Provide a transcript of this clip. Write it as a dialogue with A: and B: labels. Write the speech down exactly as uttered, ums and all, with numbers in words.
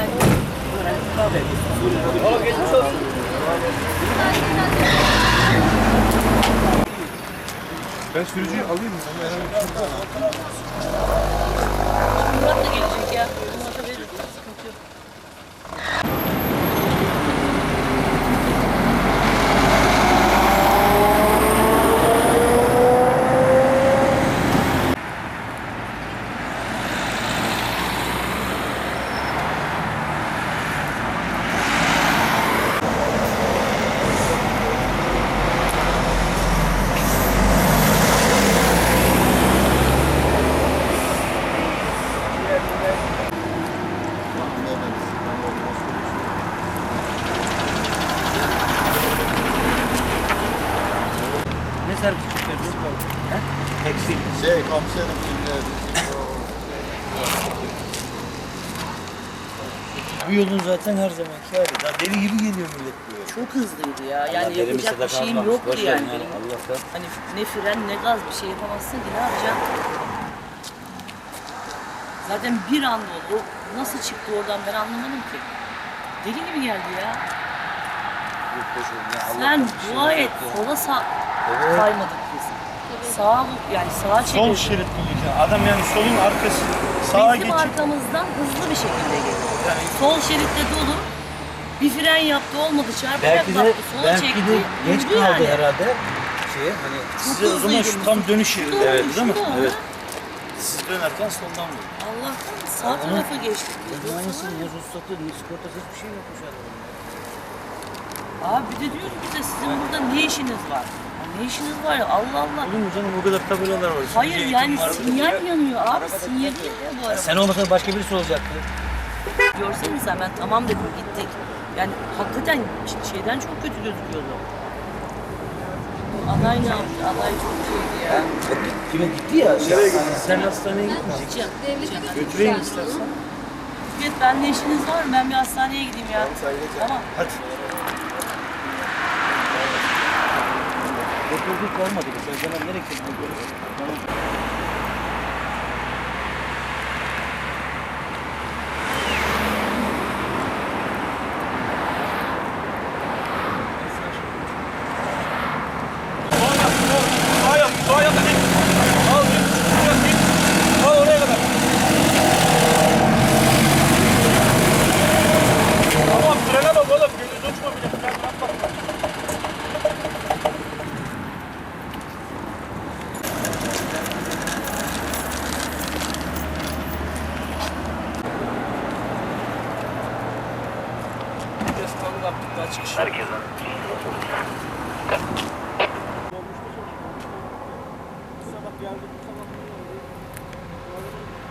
A: Oğlum geçmiş olsun.
B: Ben sürücüyü alayım mı?
C: Murat da gelecek ya. Murat'a verir. Sıkıntı yok.
A: Ne servis çıkardın? Taksi.
D: Şey komiserim şimdi
A: Bu yolun zaten her zamanki hali. Daha deli gibi geliyor millet buraya.
C: Çok hızlıydı ya.
A: Allah
C: Yani
A: verimi
C: yapacak bir
A: sadaka
C: şeyim
A: almamış.
C: yoktu
A: Boş
C: yani.
A: verin
C: Benim
A: Allah'tan.
C: hani ne fren ne gaz bir şey yapamazsın ki ne yapacaksın? Zaten bir anda oldu. O nasıl çıktı oradan ben anlamadım ki. Deli gibi geldi ya.
A: Yok, boş verin ya,
C: Sen
A: Allah'tan bir şey
C: dua
A: yok
C: et.
A: ya.
C: Sola sağ
A: Evet.
C: kaymadık biz. Sağa yani sağa
B: Sol
C: çevirdik.
B: şerit bulduk ya. Adam yani solun arkası sağa
C: Bizim
B: geçip
C: arkamızdan hızlı bir şekilde geliyor. Sol şeritte dolu. Bir fren yaptı olmadı çarpacak
A: Belki de,
C: baktı sola
A: belki
C: çekti.
A: de geç
C: Durdu
A: kaldı
C: yani.
A: herhalde. Şeye hani
B: size o zaman şu tam dönüş yeri.
C: Şurada
B: Evet
C: oldu,
B: değil mi?
C: şurada oldu.
B: Evet. Siz dönerken soldan vurdu.
C: Allah'tan sağ
A: Ama-
C: tarafa geçtik.
A: Ne aynısını ne ruhsatı ne sigortası hiçbir şey yokmuş adamın.
C: Abi bir de diyor ki bize sizin burada ne işiniz var? Ya ne işiniz var ya Allah Allah.
B: Olur mu canım o kadar tabelalar var.
C: Hayır
B: Sürücü
C: yani
B: eğitim var.
C: sinyal yanıyor abi sinyal yanıyor bu araba.
A: Sen olmasan başka birisi olacaktı.
C: Görsene sen ben tamam dedim gittik. Yani hakikaten şeyden çok kötü gözüküyordu. Aday ne yaptı? Aday çok şeydi ya.
A: Kime gitti ya?
B: Nereye gittin? Sen hastaneye gitmeyeceksin.
C: Gideceğim. gideceğim.
B: Götüreyim istersen.
C: Evet ben ne işiniz var mı? Ben bir hastaneye gideyim ya. Tamam.
B: Hadi.
A: Doktorluk olmadı. Bu zaman nereye gitti?
B: Sağa yap, sağa yap. Al, git. Al oraya kadar. Tamam, frene bak oğlum. Gözünü uçma bile. Fren yapma.
E: Herkese.
B: Sabah geldi, bu sabah